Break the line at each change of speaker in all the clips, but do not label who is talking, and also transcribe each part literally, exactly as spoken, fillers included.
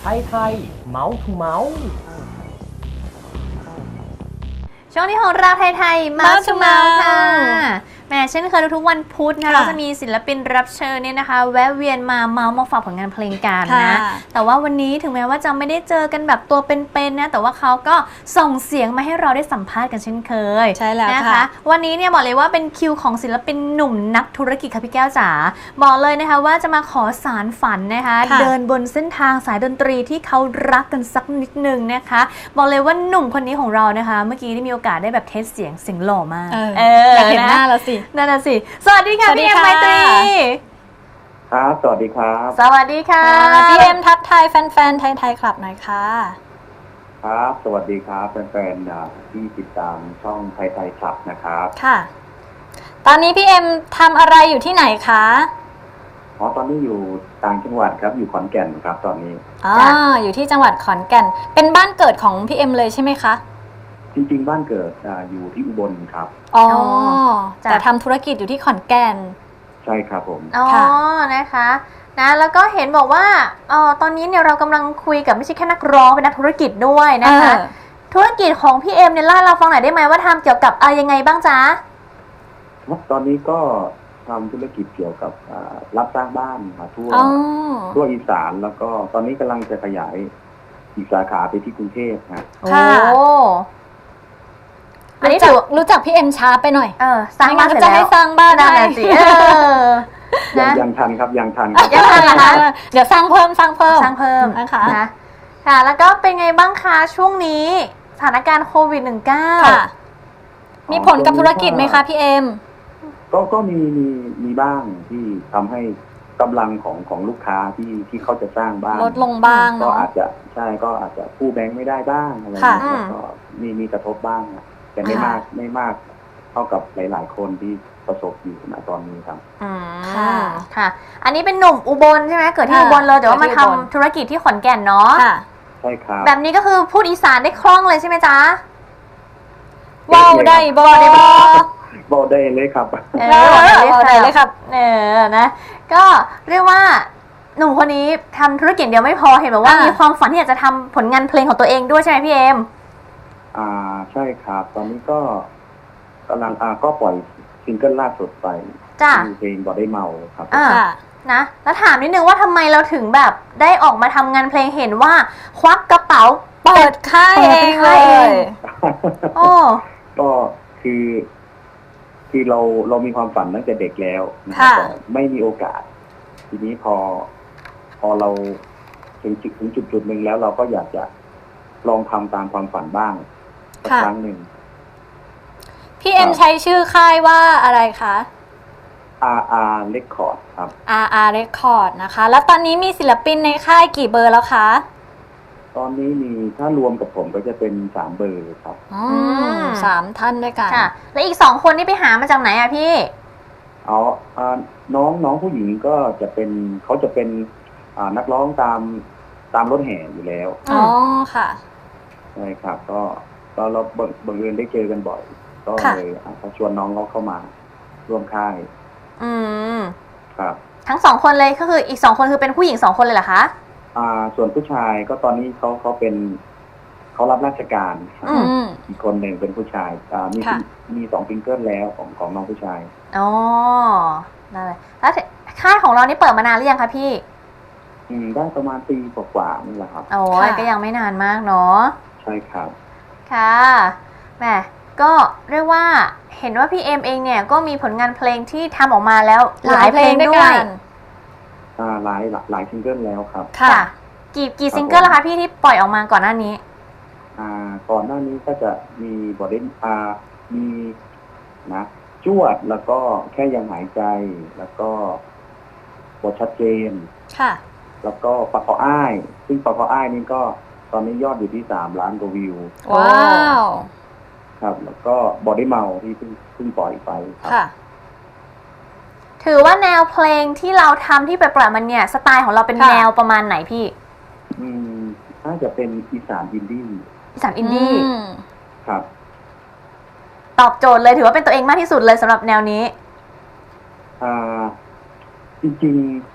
ไทยไทยเมาส์ทูเมาส์
ช่วงนี้ของเราไทยๆมาชูเมาค่ะแหมเช่นเคยทุกวันพุธนะเราจะมีศิลปินรับเชิญเนี่ยนะคะแวะเวียนมาเมาส์มาฝากผลงานเพลงกันนะแต่ว่าวันนี้ถึงแม้ว่าจะไม่ได้เจอกันแบบตัวเป็นๆนะแต่ว่าเขาก็ส่งเสียงมาให้เราได้สัมภาษณ์กันเช่นเคย
ใช่แล้ว
นะคะวันนี้เนี่ยบอกเลยว่าเป็นคิวของศิลปินหนุ่มนักธุรกิจค่ะพี่แก้วจ๋าบอกเลยนะคะว่าจะมาขอสารฝันนะคะเดินบนเส้นทางสายดนตรีที่เขารักกันสักนิดนึงนะคะบอกเลยว่าหนุ่มคนนี้ของเรานะคะเมื่อกี้ได้มีโอกาสได้แบบเทสเสียงเสียงหล่อมาก
เอออยากเห็นหน้าแล้วสิ
นั่นน่ะสิสวัสดีค่ะพี่เอ็มไมตรี
ครับสวัสดีครับ
สวัสดีค่ะ
พี่เอ็มทักทายแฟนๆไทยๆคลับหน่อยค่ะ
ครับสวัสดีครับแฟนๆที่ติดตามช่องไทยไทยคลับนะครับ
ค่ะตอนนี้พี่เอ็มทำอะไรอยู่ที่ไหนคะ
อ๋อตอนนี้อยู่ต่างจังหวัดครับอยู่ขอนแก่นครับตอนนี้
อ๋ออยู่ที่จังหวัดขอนแก่นเป็นบ้านเกิดของพี่เอ็มเลยใช่ไหมคะ
จริงๆบ้านเกิดอยู่ที่อุบลครับ
อ๋อแต่ทำธุรกิจอยู่ที่ขอนแก่น
ใช่ครับผม
อ๋อนะคะนะแล้วก็เห็นบอกว่าอ๋อตอนนี้เนี่ยเรากำลังคุยกับไม่ใช่แค่นักร้องเป็นนักธุรกิจด้วยนะคะธุรกิจของพี่เอ็มเนี่ยเล่าเราฟังหน่อยได้ไหมว่าทำเกี่ยวกับอะไรยังไงบ้างจ๊ะ
ตอนนี้ก็ทำธุรกิจเกี่ยวกับรับสร้างบ้านมาทั่วทั่วอีสานแล้วก็ตอนนี้กำลังจะขยายอีกสาขาไปที่กรุงเทพนะ
ค่ะ
อันนี้ถือรู้จักพี่เอ็มช้าไปหน่อย
เออสร้างบ้านเสร็จ
แล้วจะให้สร้างบ้านได้
ยังยังทันครับยังทัน
ยังทันนะคะ
เดี๋ยวสร้างเพิ่มสร้างเพิ่ม
สร้างเพิ่มนะคะค่ะแล้วก็เป็นไงบ้างคะช่วงนี้สถานการณ์โควิด สิบเก้า
ค่ะมีผลกับธุรกิจไหมคะพี่เอ็ม
ก็ก็มีมีมีบ้างที่ทำให้กำลังของของลูกค้าที่ที่เขาจะสร้างบ้าน
ลดลงบ้าง
ก็อาจจะใช่ก็อาจจะกู้แบงค์ไม่ได้บ้างอะไรอย่างเงี้ยก็มีมีกระทบบ้างแต่ไม่มากไม่มากเท่ากับหลายๆคนที่ประสบอยู่ณตอนนี้ครับ
อืมค่ะอันนี้เป็นหนุ่มอุบลใช่ไหมเกิดที่อุบลเลยแต่ว่ามาทำธุรกิจที่ขอนแก่นเนาะ
ใช่ครับ
แบบนี้ก็คือพูดอีสานได้คล่องเลยใช่ไหมจ๊ะ
ว้าวได้บอได้บอ
บอกได้เลยครับ
เออบอกได้เลยครับเออนะก็เรียกว่าหนุ่มคนนี้ทำธุรกิจเดียวไม่พอเห็นบอกว่ามีความฝันที่อยากจะทำผลงานเพลงของตัวเองด้วยใช่ไหมพี่เอ็ม
อ่าใช่ครับตอนนี้ก็กำลังอ่าก็ปล่อยซิงเกิลล่าสุดไป
จ้ะ
เพลงบ่ได้เมาครับ
อ่านะแล้วถามนิดนึงว่าทำไมเราถึงแบบได้ออกมาทำงานเพลงเห็นว่าควักกระเป๋า
เปิดค่ายเองเลย
โอ้
ก็คือคือเราเรามีความฝันตั้งแต่เด็กแล้วนะครับแต่ไม่มีโอกาสทีนี้พอพอเราถึงจุดถึงจุดจุดหนึ่งแล้วเราก็อยากจะลองทำตามความฝันบ้างสักครั้งหนึ่ง
พี่เอ็มใช้ชื่อค่ายว่าอะไรคะ
อาร์ อาร์ Record ครับ
อาร์ อาร์ Record นะคะแล้วตอนนี้มีศิลปินในค่ายกี่เบอร์แล้วคะ
ตอนนี้มีถ้ารวมกับผมก็จะเป็นสามเบอร์ครับ
อ๋อสามท่านด้วยกัน
ค่ะแล้วอีกสองคนนี่ไปหามาจากไหนอะพี่
อ๋อน้องน้องผู้หญิงก็จะเป็นเขาจะเป็นนักร้องตามตามรถแห่อยู่แล้ว
อ๋อค่ะ
ใช่ครับก็ก็เราบังเอิญได้เจอกันบ่อยก็เลยเขาชวนน้องเขาเข้ามาร่วมค่าย
อืม
ครับ
ทั้งสองคนเลยก็คืออีกสองคนคือเป็นผู้หญิงสองคนเลยเหรอคะ
อ่าส่วนผู้ชายก็ตอนนี้เขาเขาเป็นเขารับราชการอีกคนหนึ่งเป็นผู้ชายอ่ามีมีสองซิงเกิลแล้วของของน้องผู้ชาย
อ๋อนั่นแหละแล้วค่ายของเรานี่เปิดมานานหรือยังคะพี่
อืมได้ประมาณปีกว่าๆนี่แหละครับ
โอ้ยก็ยังไม่นานมากเนาะ
ใช่ครับ
ค่ะแหมก็เรียกว่าเห็นว่าพี่เอ็มเองเนี่ยก็มีผลงานเพลงที่ทำออกมาแล้วหลายเพลงด้วย
อ่าหลายหลายซิงเกิลแล้วครับ
ค่ะกี่กี่ซิงเกิลแล้วคะพี่ที่ปล่อยออกมาก่อนหน้านี้
อ่าก่อนหน้านี้ก็จะมีบอดี้อ่ามีนะจวดแล้วก็แค่ยังหายใจแล้วก็บทชัดเจน
ค่ะ
แล้วก็ปากกออ้ายซึ่งปากกออ้ายนี่ก็ตอนนี้ยอดอยู่ที่สามล้านกว่าวิว
ว้าว
ครับแล้วก็บอดี้เมาที่เพิ่งเพิ่งปล่อยไปครับ
ค่ะ
ถือว่าแนวเพลงที่เราทำที่ไปปล่อยมันเนี่ยสไตล์ของเราเป็นแนวประมาณไหนพี่
อืมน่าจะเป็นอีสานอินดี้
อีสานอินดี้
ครับ
ตอบโจทย์เลยถือว่าเป็นตัวเองมากที่สุดเลยสำหรับแนวนี้
อ่าจริง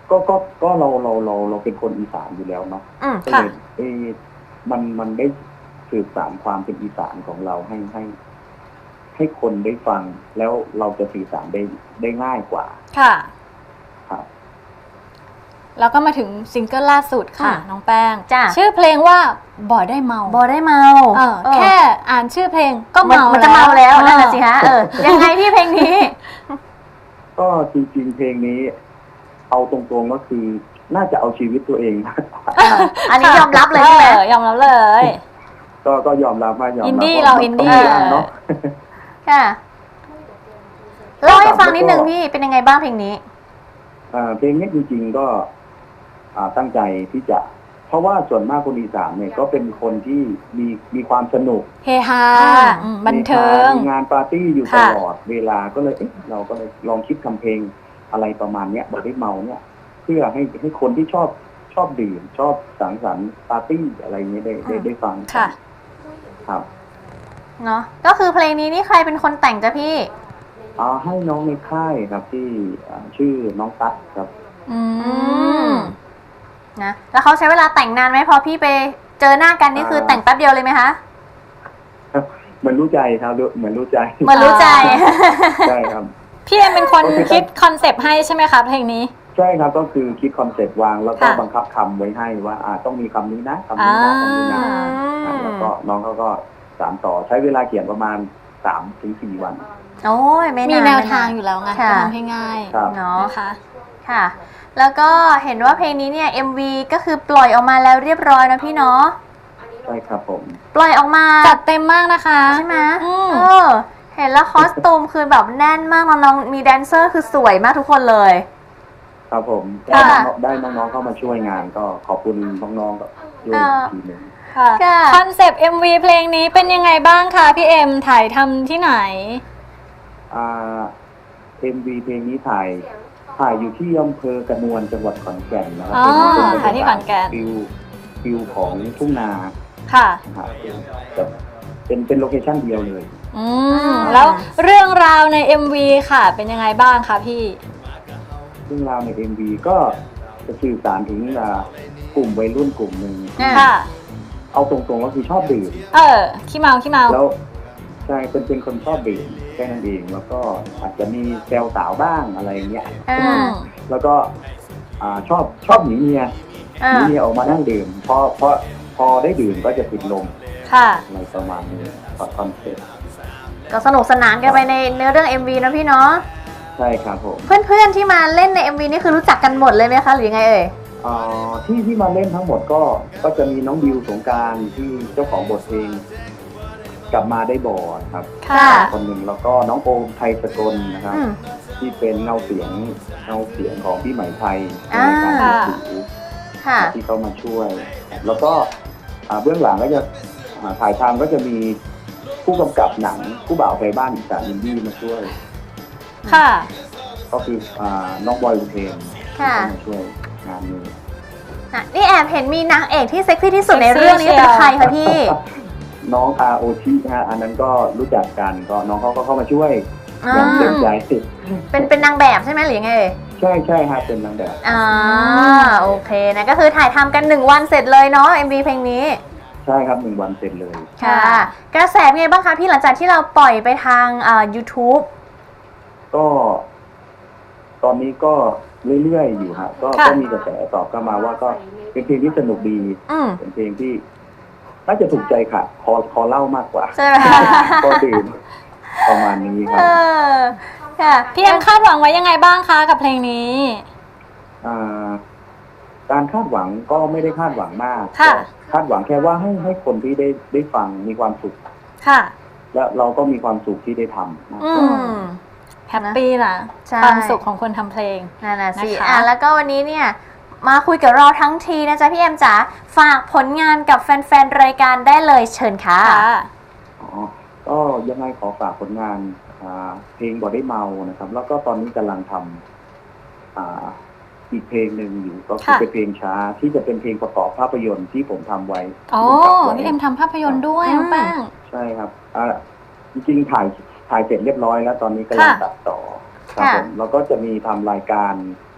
ก็ก็ก็เราเราเราเราเป็นคนอีสานอยู่แล้วเนาะ
อืม
ก็
ค่ะ
เลยเอ๊ะมันมันได้สืบสานความเป็นอีสานของเราให้ให้ ให้คนได้ฟัง แล้วเราจะสื่อสารได้ได้ง่ายกว่า
ค่ะ
ครับ
แล้วก็มาถึงซิงเกิลล่าสุดค่ะ
อืม
น้องแป้ง
จ้ะ
ชื่อเพลงว่าบ่ได้เมา
บอได้เมา
เออ
เออ
แค่อ่านชื่อเพลงก็
มัน
เมา
มันจะเมาแล้ว
เออ
นั่นน่ะสิฮะเออยังไงพี่เพลงนี้
ก็จริงๆเพลงนี้ เอาตรงๆก็คือ น่าจะเอาชีวิตตัวเองมากกว่า
อันนี้ยอมรับเลยใช่ไหม
ออยอมรับเลย
ก็ก็ยอมรับว่ายอมรับ
อินดี้
ว่
เราอินดี้
ต้งมีบ้างเนาะ
ค่ะเล่าให้ฟังนิดนึงพี่เป็นยังไงบ้างเพลงนี้
อ่าเพลงนี้จริงๆก็ อ่าตั้งใจที่จะ เพราะว่าส่วนมากคนอีสานเนี่ยก็เป็นคนที่มีมีความสนุก
เฮฮา
ค่ะ
อืมบันเทิง
มีงานปาร์ตี้อยู่ต
ค่ะ
ลอดเวลาก็เลยเอ๊ะเราก็เลยลองคิดทำเพลงอะไรประมาณเนี้ยบอกได้เมาเนี่ย เพื่อให้ให้คนที่ชอบชอบดื่มชอบสังสรรค์ปาร์ตี้อะไรเงี้ยได้ได้ได้ฟัง
ค่ะ
ครับ
เนาะก็คือเพลงนี้นี่ใครเป็นคนแต่งจ้ะพี่
อ่าให้น้องในค่ายครับที่อ่าชื่อน้องตั๊กครับ
อืม
นะแล้วเขาใช้เวลาแต่งนานไหมพอพี่ไปเจอหน้ากันนี่คือแต่งแป๊บเดียวเลยไหมคะ
เหมือนรู้ใจครับเหมือนรู้ใจ
เหมือนรู้ใจ
ใช่ครับ
พี่เอ็มเป็นคนคิดคอนเซปต์ให้ใช่ไหมคะเพลงนี้
ใช่ครับก็คือคิดคอนเซ็ปต์วางแล้วก็
ค่ะ
บังคับคำไว้ให้ว่าอ่าต้องมีคำนี้นะคำนี้นะคำนี้นะ
อ่า
อ่าแล้วก็น้องเขาก็สานต่อใช้เวลาเขียนประมาณสามถึงสี่วัน
โอ้ยไม่นาน
มีแนว
ไม่น
ทางอยู่แล้วไง
ค่ะ
ก็ทำให้ง่าย
ครับ
เนาะ
นะคะ
ค่ะ แล้วก็เห็นว่าเพลงนี้เนี่ย เอ็ม วี ก็คือปล่อยออกมาแล้วเรียบร้อยนะพี่เนาะ
ใช่ครับผม
ปล่อยออกมา
จัดเต็มมากนะคะ
ใช่ไหม
อืม
เออเห็นแล้วคอสตูมคือแบบแน่นมากน้องๆมีแดนเซอร์คือสวยมากทุกคนเลย
ครับผม
ค่ะ
ได้น้องได้น้องๆเข้ามาช่วยงานก็ขอบคุณน้องๆกับด้วยอีกทีหนึ่ง
ค่ะ
ค่ะ
คอนเซปต์ เอ็ม วี เพลงนี้เป็นยังไงบ้างคะพี่เอ็มถ่ายทำที่ไหน
อ่าเอ็มวีเพลงนี้ถ่ายถ่ายอยู่ที่อำเภอกระนวนจังหวัดขอนแก่นนะครั
อ๋อ
เป็นเป็น
ถ่ายที่ขอนแก่น
ฟิวฟิวของทุ่งนา
ค่ะ
ครับแบบเป็นเป็นโลเคชั่นเดียวเลย
อืมแล้วเรื่องราวใน เอ็ม วี ค่ะ เป็นยังไงบ้างคะพี่
เรื่องราวใน เอ็ม วี ก็จะสื่อสารถึงอ่ากลุ่มวัยรุ่นกลุ่มหนึ่ง
อ่า
ค่ะ
เอาตรงๆก็คือชอบดื่ม
เออขี้เมาขี้เมา
แล้วใช่เป็นเป็นคนชอบดื่มแค่นั้นเองแล้วก็อาจจะมีแซวสาวบ้างอะไรเงี้ย
อ่า
อืม
แล้วก็อ่าชอบชอบหนีเมีย
อ่า
หนีเมียออกมานั่งดื่มพอพอพอได้ดื่มก็จะติดลม
ค่ะ
อะไรประมาณนี้คอนเซ็ปต์
ก็สนุกสนานกันไปในเนื้อเรื่อง เอ็ม วี นะพี่เนาะ
ใช่ครับผม
เพื่อนๆที่มาเล่นใน เอ็ม วี นี่คือรู้จักกันหมดเลยไหมคะหรือยังไงเอ่ย
อ่าที่ที่มาเล่นทั้งหมดก็ก็จะมีน้องดิวสงกรารที่เจ้าของบทเพลงกลับมาได้บ่อนะครับ
ค่ะ
คนหนึ่งแล้วก็น้องโอมไทยสกลนะครับ
อืม
ที่เป็นเงาเสียงเงาเสียงของพี่ไหมไทยใน
อ่า
รายการมือถือ
ค่ะ
ที่เขามาช่วย แล้วก็อ่าเบื้องหลังก็จะอ่าถ่ายทำก็จะมีผู้กำกับหนังผู้บ่าวไทยบ้านอีสานอินดี้มาช่วย
ค่ะ
ก็คืออ่าน้องบอยอุเทน
ค่ะ
ที่เข้ามาช่วยงานนี้
อ่ะนี่แอบเห็นมีนางเอกที่เซ็กซี่ที่สุดในเรื่องนี้เป็นใครคะพี่
น้องอาโอชิฮะอันนั้นก็รู้จักกันก็น้องเขาก็เข้ามาช่วย
อ่า
อย่างเต็มใจ
เป็นเป็นนางแบบใช่ไหมหรือยังไงเอ่ย
ใช่ใช่ฮะเป็นนางแบบ
อ่าโอเคนะก็คือถ่ายทำกันหนึ่งวันเสร็จเลยเนาะ เอ็ม วี เพลงนี้
ใช่ครับหนึ่งวันเสร็จเลย
ค่ะ กระแสเป็นไงบ้างคะพี่หลังจากที่เราปล่อยไปทางอ่า YouTube
ก็ตอนนี้ก็เรื่อยๆอยู่ฮะก็
ค่ะ
ก็มีกระแสตอบเข้ามาว่าก็เป็นเพลงที่สนุกดี
อืม
เป็นเพลงที่น่าจะถูกใจค่ะ คอคอเล่ามากกว่า
ใช่ไหม
ก็ดื่มประมาณนี้ค
เอ
รับ
อค่ะ
พี่เอ็มคาดหวังไว้ยังไงบ้างคะกับเพลงนี้
อ่าการคาดหวังก็ไม่ได้คาดหวังมาก
ค่ะ
แต่คาดหวังแค่ว่าให้ให้คนที่ได้ได้ฟังมีความสุข
ค่ะ
และเราก็มีความสุขที่ได้ทำนะ
อื
ก็
ม
แฮปปี้นะ
ใช่
ความสุขของคนทำเพลง
นั่นน่ะสิ
นะคะ
อ่ะแล้วก็วันนี้เนี่ยมาคุยกับเราทั้งทีนะจ๊ะพี่เอ็มจ๋าฝากผลงานกับแฟนๆรายการได้เลยเชิญค่ะ
ค่ะ
อ๋อก็ยังไงขอฝากผลงานอ่าเพลงบ่ได้เมานะครับ แล้วก็ตอนนี้กำลังทำอ่าอีกเพลงหนึ่งอยู่ก็คือ
ค่ะ
เป็นเพลงช้าที่จะเป็นเพลงประกอบภาพยนตร์ที่ผมทำไว้
อ๋อ
ที่ผมทำไว้
พี่เอ็มทำภาพยนตร์ด้วย
อืม
น้องแป้ง
ใช่ครับอ่าจริงๆถ่ายถ่ายเสร็จเรียบร้อยแล้ว ตอนนี้กำลัง
ค่ะ
ตัดต่อครับ
ค่ะ
ผมแล้วก็จะมีทำรายการ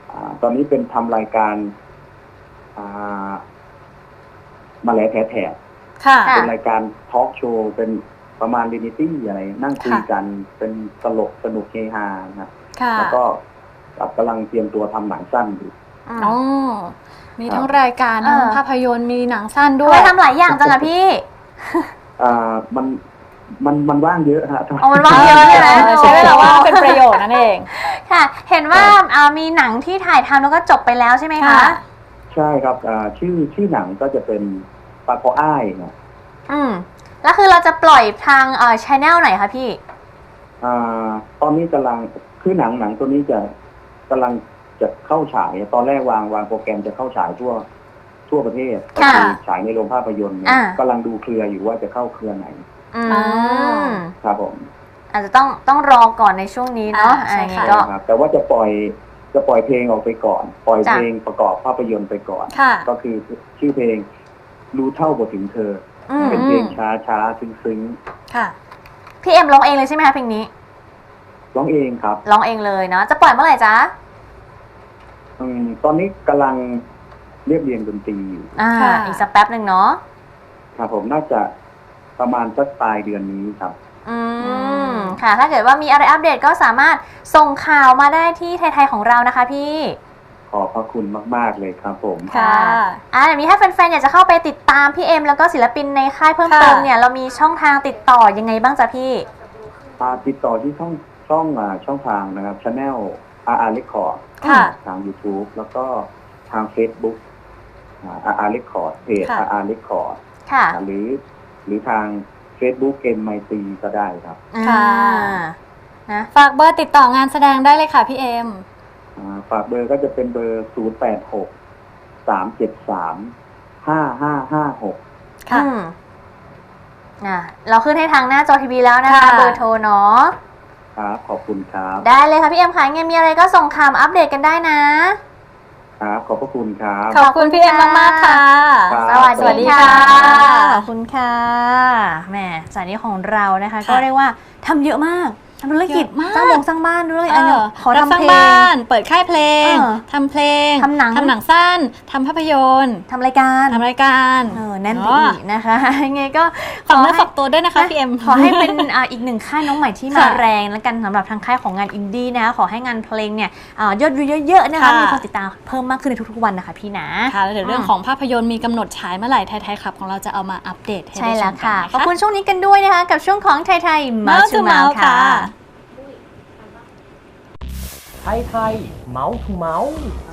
อ่าตอนนี้เป็นทำรายการอ่ามาแลแถแถ
ค่ะ
เป็นรายการทอล์กโชว์เป็นประมาณเรียลิตี้อะไรนั่งคุยกันเป็นตลกสนุกเฮฮานะครับ
ค่ะ
แล้วก็กำลังเตรียมตัวทำหนังสั้นอยู่
อืม
อ๋อมีทั้ง
ครับ
รายการ
เออ
ทั้งภาพยนตร์มีหนังสั้น
ทำ
ด้ว
ไม
ย
ทำหลายอย่างจังอะพี่
อ่ามันมันมันว่างเยอะฮะ
เอามันว่างเยอะใช่ไหม
เออใช้เวลาว่างเป็นประโยชน์นั่นเอง
ค่ะ เห็นว่าอ่ามีหนังที่ถ่ายทำแล้วก็จบไปแล้วใช่ไหมคะ
ค่ะ
ใช่ครับอ่าชื่อชื่อหนังก็จะเป็นปลาคออ้ายนะ
อืมแล้วคือเราจะปล่อยทางเอ่อชแนลไหนคะพี่
อ่าตอนนี้กำลังคือหนังหนังตัวนี้จะกำลังจะเข้าฉายตอนแรกวางวางโปรแกรมจะเข้าฉายทั่วทั่วประเทศก็
ค่ะ
คือฉายในโรงภาพยนตร์เนี่ย
อ่า
กำลังดูเครืออยู่ว่าจะเข้าเครือไหน
อืม
อ๋อ
ครับผม
อาจจะต้องต้องรอก่อนในช่วงนี้เนาะ
อ่าใช่
อันนี้
ค่ะ
ก็
ครับแต่ว่าจะปล่อยจะปล่อยเพลงออกไปก่อน ปล่อย
จ้ะ
เพลงประกอบภาพยนตร์ไปก่อน
ค่ะ
ก็คือชื่อเพลงรู้เท่าบ่ถึงเธอ
อืม
เป็นเพลงช้าช้าซึ้งซึ้ง
ค่ะ
พี่เอ็มร้องเองเลยใช่ไหมคะเพลงนี้
ๆร้องเองครับ
ร้องเองเลยเนาะจะปล่อยเมื่อไหร่จ๊ะ
อืมตอนนี้กำลังเรียบเรียงดนตรีอยู่
อ่า
ค่ะ
อีกสักแป๊บหนึ่งเนาะ
ครับผมน่าจะประมาณสักปลายเดือนนี้ครับ
อืมค่ะ ถ้าเกิดว่ามีอะไรอัปเดตก็สามารถส่งข่าวมาได้ที่ไทยๆของเรานะคะพี่
ขอบพระคุณมาก ๆ เลยครับผม
ค่ะ
อ่าอย่างนี้ถ้าแฟนๆอยากจะเข้าไปติดตามพี่เอ็มแล้วก็ศิลปินในค่ายเพิ่มเติม
ค่ะ
เนี่ยเรามีช่องทางติดต่อยังไงบ้างจ๊ะพี่
มาติดต่อที่ช่องช่องอ่าช่องทางนะครับ Channel อาร์ อาร์ Record
ค่ะ
ทาง YouTube แล้วก็ทาง Facebook อ่า อาร์ อาร์ Record เพจ
ค่ะ
อาร์ อาร์ Record
ค่ะ
หรือหรือทาง Facebook เอ็ม ไม ซี ก็ได้ครับ
ค่ะ
อ่านะ
ฝากเบอร์ติดต่องานแสดงได้เลยค่ะพี่เอ็ม
อ่าฝากเบอร์ก็จะเป็นเบอร์ ศูนย์ แปด หก สาม เจ็ด สาม ห้า ห้า ห้า หก
ค่ะ
อืมอ่ะเราขึ้นให้ทางหน้าจอทีวีแล้วนะคะ
ค่ะ
เบอร์โทรเนาะ
ครับ ขอบคุณครับ
ได้เลยค่ะพี่เอ็มค่ะยังไงมีอะไรก็ส่งข่าวมาอัปเดตกันได้นะ
ครับ ขอบพระคุณครับ
ขอบคุณพี่เอ็มมากๆค่ะ
ครับ
สวัส
สวัสดี
ดี
ค่ะ
ค่ะขอบคุณค่ะแหมสายนี้ของเรานะคะ
ค่ะ
ก็เรียกว่าทำเยอะมากทำธุรกิจ
เยอะมาก
สร้างวงสร้างบ้านด้วยอันนี้ขอ
รับ
ทำ
สร้าง
เพล
บ้าน
ง
เปิดค่ายเพลง
เออ
ทำเพลง
ทำหนัง
ทำหนังสั้นทำภาพยนตร์
ทำรายการ
ทำรายการ
เออแน่นไปอีกนะคะยังไงก็ข
ฝาก
อ
เนื้อ
ให้
ฝากตัวด้วยนะคะพี่เอ็ม
ขอให้เป็นอ่าอีกหนึ่งค่ายน้องใหม่ที่มา
ค่ะ
แรงแล้วกันสำหรับทางค่ายของงานอินดี้นะคะขอให้งานเพลงเนี่ยอ่ายอดวิวเยอะๆนะคะ
ค่ะ
มีคนติดตามเพิ่มมากขึ้นในทุกๆวันนะคะพี่นะ
ค่ะแล้วเดี๋ยวเรื่องของภาพยนตร์มีกำหนดฉายเมื่อไหร่ไทยๆครับของเราจะเอามาอัปเดตให้
ใช่
ได้ช
แล้ว
มกั
ค่ะ
นน
ขอบคุณช่วงนี้กันด้วยนะคะ กับช่วงของไทยไทยมา
Mouth
ชู
to
เมา
Mouth
ค่ะ
ค่ะ
ไทยไทยเมาส์ทูเมาส์